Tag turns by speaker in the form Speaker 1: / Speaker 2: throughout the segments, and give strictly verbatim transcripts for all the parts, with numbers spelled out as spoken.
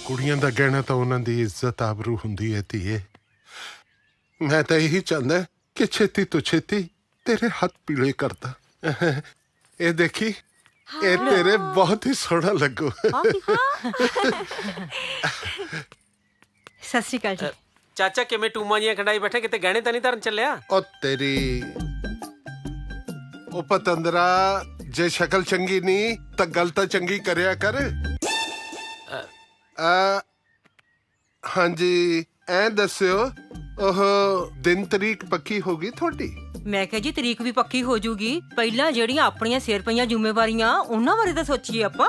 Speaker 1: ਕੁੜੀਆਂ ਦਾ ਗਹਿਣਾ ਤਾਂ ਉਹਨਾਂ ਦੀ ਇੱਜ਼ਤ ਆਬਰੂ ਹੁੰਦੀ ਹੈ ਧੀਏ। ਮੈਂ ਤਾਂ ਇਹੀ ਚਾਹੁੰਦਾ ਕਿ ਛੇਤੀ ਤੋਂ ਛੇਤੀ ਤੇਰੇ ਹੱਥ ਪੀਲੇ ਕਰਦਾ। ਇਹ ਦੇਖੀ, ਇਹ ਤੇਰੇ ਬਹੁਤ ਹੀ ਸੋਹਣਾ ਲੱਗੂ।
Speaker 2: ਸਤਿ ਸ਼੍ਰੀ ਅਕਾਲ ਜੀ।
Speaker 3: ਚਾਚਾ ਕਿਵੇਂ ਟੂਮਾਂ ਜੀਆਂ ਖੰਡਾਈ ਬੈਠੇ, ਕਿਤੇ ਗਹਿਣੇ ਤਾਂ ਨਹੀਂ ਧਰਨ ਚੱਲਿਆ?
Speaker 1: ਉਹ ਤੇਰੀ ਉਹ ਪਤੰਦਰਾ, ਜੇ ਸ਼ਕਲ ਚੰਗੀ ਨਹੀਂ ਤਾਂ ਗੱਲ ਤਾਂ ਚੰਗੀ ਕਰਿਆ ਕਰ। ਆ ਹਾਂਜੀ, ਐ ਦੱਸਿਓ ਉਹ ਦਿਨ ਤਰੀਕ ਪੱਕੀ ਹੋ ਗਈ ਤੁਹਾਡੀ?
Speaker 2: ਮੈਂ ਕਿਹਾ ਜੀ ਤਰੀਕ ਵੀ ਪੱਕੀ ਹੋ ਜੂਗੀ, ਪਹਿਲਾਂ ਜਿਹੜੀਆਂ ਆਪਣੀਆਂ ਸਿਰ ਪਈਆਂ ਜ਼ਿੰਮੇਵਾਰੀਆਂ ਉਹਨਾਂ ਬਾਰੇ ਤਾਂ ਸੋਚੀਏ ਆਪਾਂ।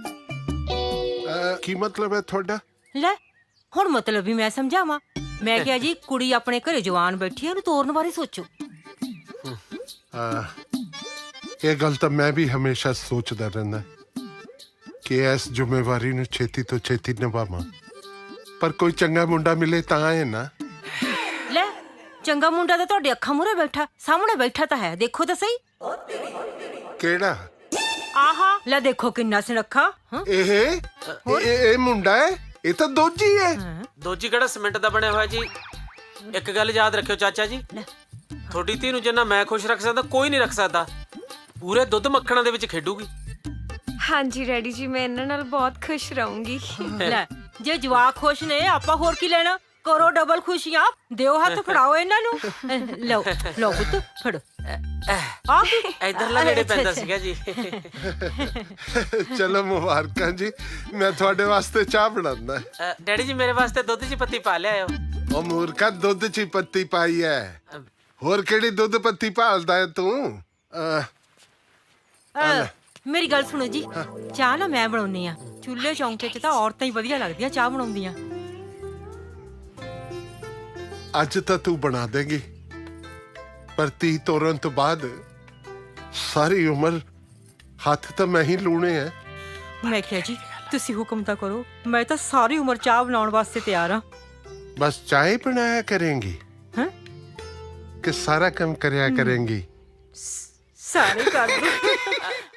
Speaker 1: ਆ, ਕੀ ਮਤਲਬ ਹੈ ਤੁਹਾਡਾ?
Speaker 2: ਲੈ ਹੁਣ ਮਤਲਬ ਵੀ ਮੈਂ ਸਮਝਾਵਾਂ। ਮੈਂ ਕਿਹਾ ਜੀ ਕੁੜੀ ਆਪਣੇ ਘਰੇ ਜਵਾਨ ਬੈਠੀ ਆ, ਉਹਨੂੰ ਤੋਰਨ ਬਾਰੇ ਸੋਚੋ।
Speaker 1: ਆ, ਇਹ ਗੱਲ ਤਾਂ ਮੈਂ ਵੀ ਹਮੇਸ਼ਾ ਸੋਚਦਾ ਰਹਿੰਦਾ ਕਿ ਇਸ ਜ਼ਿੰਮੇਵਾਰੀ ਨੂੰ ਛੇਤੀ ਤੋਂ ਛੇਤੀ ਨਿਭਾਵਾਂ, ਪਰ ਕੋਈ ਚੰਗਾ ਮੁੰਡਾ ਮਿਲੇ ਤਾਂ ਹੈ ਨਾ।
Speaker 2: ਲੈ ਚੰਗਾ ਮੁੰਡਾ ਤਾਂ ਤੁਹਾਡੇ ਅੱਖਾਂ ਮੂਹਰੇ ਬੈਠਾ, ਸਾਹਮਣੇ ਬੈਠਾ ਤਾਂ ਹੈ, ਦੇਖੋ ਤਾਂ ਸਹੀ।
Speaker 1: ਕਿਹੜਾ?
Speaker 2: ਆਹਾ ਲੈ ਦੇਖੋ ਕਿੰਨਾ ਸੁਨੱਖਾ। ਹਾਂ
Speaker 1: ਇਹ ਇਹ ਇਹ ਮੁੰਡਾ ਹੈ? ਇਹ ਤਾਂ ਦੋਜੀ ਹੈ।
Speaker 3: ਦੋਜੀ ਕਿਹੜਾ ਸੀਮੈਂਟ ਦਾ ਬਣਿਆ ਹੋਇਆ ਜੀ? ਇੱਕ ਗੱਲ ਯਾਦ ਰੱਖਿਓ ਚਾਚਾ ਜੀ, ਤੁਹਾਡੀ ਧੀ ਨੂੰ ਜਿੰਨਾ ਮੈਂ ਖੁਸ਼ ਰੱਖ ਸਕਦਾ ਕੋਈ ਨਹੀਂ ਰੱਖ ਸਕਦਾ। ਪੂਰੇ ਦੁੱਧ ਮੱਖਣਾਂ ਦੇ ਵਿੱਚ ਖੇਡੂਗੀ।
Speaker 4: ਹਾਂਜੀ ਡੈਡੀ ਜੀ, ਮੈਂ ਇਹਨਾਂ ਨਾਲ ਬਹੁਤ ਖੁਸ਼ ਰਹੂੰਗੀ।
Speaker 2: ਲੈ ਜੇ ਜਵਾਕ ਖੁਸ਼ ਨੇ ਆਪਾਂ ਹੋਰ ਕੀ ਲੈਣਾ, ਕਰੋ ਡਬਲ ਖੁਸ਼ੀਆਂ, ਦਿਓ ਹੱਥ, ਫੜਾਓ ਇਹਨਾਂ ਨੂੰ। ਲਓ ਲਓ ਪੁੱਤ ਫੜੋ। ਆ
Speaker 3: ਇਧਰਲਾ ਨੇੜੇ ਪੈਂਦਾ ਸੀਗਾ ਜੀ।
Speaker 1: ਚਲੋ ਮੁਬਾਰਕਾਂ ਜੀ, ਮੈਂ ਤੁਹਾਡੇ ਵਾਸਤੇ ਚਾਹ ਬਣਾਉਂਦਾ।
Speaker 3: ਅ, ਡੈਡੀ ਜੀ ਮੇਰੇ ਵਾਸਤੇ ਦੁੱਧ 'ਚ ਪੱਤੀ ਪਾ ਲਿਆਇਓ।
Speaker 1: ਉਹ ਮੂਰਖਾ, ਦੁੱਧ 'ਚ ਹੀ ਪੱਤੀ ਪਾਈ ਹੈ, ਹੋਰ ਕਿਹੜੀ ਦੁੱਧ ਪੱਤੀ ਭਾਲਦਾ ਹੈ ਤੂੰ? ਅਹ,
Speaker 2: ਅਹ, ਮੇਰੀ ਗੱਲ ਸੁਣੋ ਜੀ, ਚਾਹ ਨਾ ਮੈਂ ਬਣਾਉਣੀ ਆ। ਚੁੱਲ੍ਹੇ ਚੌਂਕੇ 'ਚ ਤਾਂ ਔਰਤਾਂ ਹੀ ਵਧੀਆ ਲੱਗਦੀਆਂ ਚਾਹ ਬਣਾਉਂਦੀਆਂ।
Speaker 1: ਅੱਜ ਤਾਂ ਤੂੰ ਬਣਾ ਦੇਗੀ, ਪਰ ਤੀ ਤੋਰਨ ਤੋਂ ਬਾਅਦ ਸਾਰੀ ਉਮਰ ਹੱਥ ਤਾਂ ਮੈਂ ਹੀ ਲੂਣੇ ਆ।
Speaker 2: ਮੈਂ ਕਿਹਾ ਜੀ ਤੁਸੀਂ ਹੁਕਮ ਤਾਂ ਕਰੋ, ਮੈਂ ਤਾਂ ਸਾਰੀ ਉਮਰ ਚਾਹ ਬਣਾਉਣ ਵਾਸਤੇ ਤਿਆਰ ਆ।
Speaker 1: ਬਸ ਚਾਹ ਹੀ ਬਣਾਇਆ ਕਰੇਂਗੀ
Speaker 2: ਹਾਂ
Speaker 1: ਕਿ ਸਾਰਾ ਕੰਮ ਕਰਿਆ ਕਰੇਂਗੀ?
Speaker 2: ਸਾਰੇ ਕਰ ਦੋ।